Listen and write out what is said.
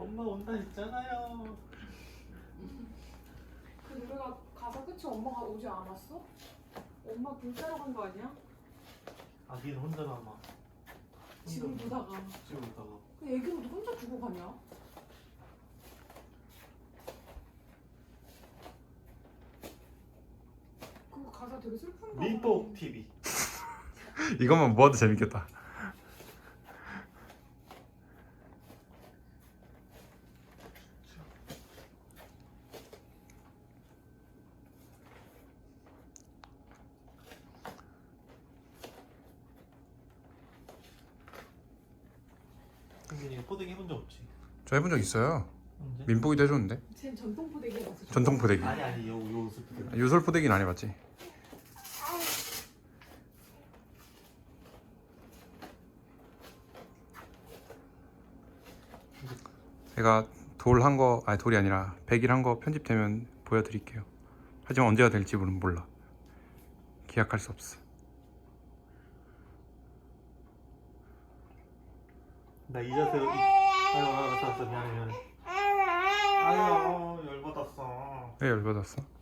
엄마 온다 했잖아요. 그 노래가 가사 끝이 엄마가 오지 않았어? 엄마 굴 따러 간 거 아니야? 아기는 혼자 남아. 지금 보다가. 지금 보다가. 그 애기는 혼자 두고 가냐? 그거 가사 되게 슬픈 거. 민복 TV. 이것만 모아도 재밌겠다. 승민이가 포대기 해본 적 없지? 저 해본 적 있어요. 언제? 민복이도 해줬는데. 쟤는 전통 포대기 해봤어. 전통 포대기. 아니 요 옷을 포대기. 요술 포대기는 안 해봤지. 제가 돌 한 거, 아니 돌이 아니라 100일 한 거 편집되면 보여드릴게요. 하지만 언제가 될지는 몰라. 기약할 수 없어. 나 이 자세로. 아유 알았어 미안해. 아유 열받았어. 왜 열받았어?